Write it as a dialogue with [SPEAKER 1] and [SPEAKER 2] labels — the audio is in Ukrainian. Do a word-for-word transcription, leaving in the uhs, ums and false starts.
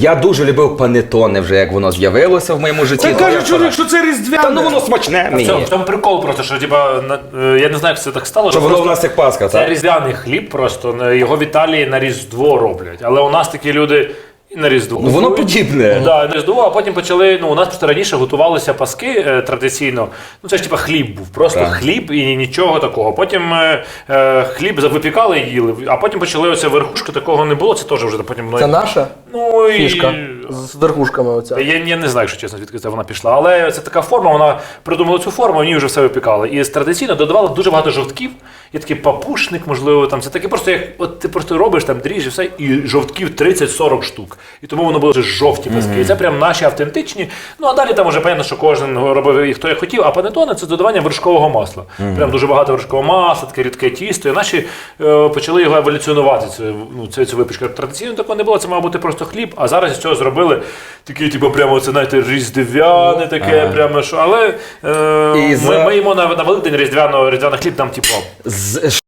[SPEAKER 1] Я дуже любив панетоне вже, як воно з'явилося в моєму житті.
[SPEAKER 2] Це
[SPEAKER 1] Ну,
[SPEAKER 2] кажуть,
[SPEAKER 1] я
[SPEAKER 2] що, що це різдвяне.
[SPEAKER 1] Та ну воно смачне
[SPEAKER 3] В
[SPEAKER 1] мені.
[SPEAKER 3] цьому, в тому прикол просто, що типа, на- е, я не знаю, як це так стало.
[SPEAKER 1] Що воно
[SPEAKER 3] просто
[SPEAKER 1] в нас як Пасха,
[SPEAKER 3] це
[SPEAKER 1] так?
[SPEAKER 3] різдвяний хліб просто, на- його в Італії на Різдво роблять. Але у нас такі люди і на Різдво.
[SPEAKER 1] Ну, воно
[SPEAKER 3] купують.
[SPEAKER 1] подібне.
[SPEAKER 3] Ну, да, на Різдво, а потім почали, ну у нас просто раніше готувалися паски е, традиційно. Ну це ж типа хліб був, просто
[SPEAKER 1] Так.
[SPEAKER 3] хліб і нічого такого. Потім е, е, хліб випікали і їли, а потім почали оце верхушки, такого не було, це теж вже потім...
[SPEAKER 4] Це наша
[SPEAKER 3] ну, і...
[SPEAKER 4] фішка з верхушками оця.
[SPEAKER 3] Я, я не знаю, якщо чесно, звідки це вона пішла. Але це така форма, вона придумала цю форму, в ній вже все випікали. І традиційно додавали дуже багато жовтків. Є такий папушник, можливо, там це таке просто як от ти просто робиш там дріж і все, і жовтків тридцять-сорок штук. І тому воно було вже жовті паски. Mm-hmm. І це прям наші автентичні. Ну а далі там вже понятно, що кожен робив їх хто як хотів. А панетоне це додавання вершкового масла. Mm-hmm. Прям дуже багато вершкового масла, таке рідке тісто. І наші е, почали його еволюціонувати. Це ну це, це випічка. Традиційно такого не було. Це мав бути просто хліб. А зараз із цього зробили таке, типу, прямо це знаєте, різдвяне таке, ага. прямо що. Але е,
[SPEAKER 1] І
[SPEAKER 3] ми,
[SPEAKER 1] за...
[SPEAKER 3] ми їмо на, на Великдень різдвяно різдвяний хліб, там типу.
[SPEAKER 1] З...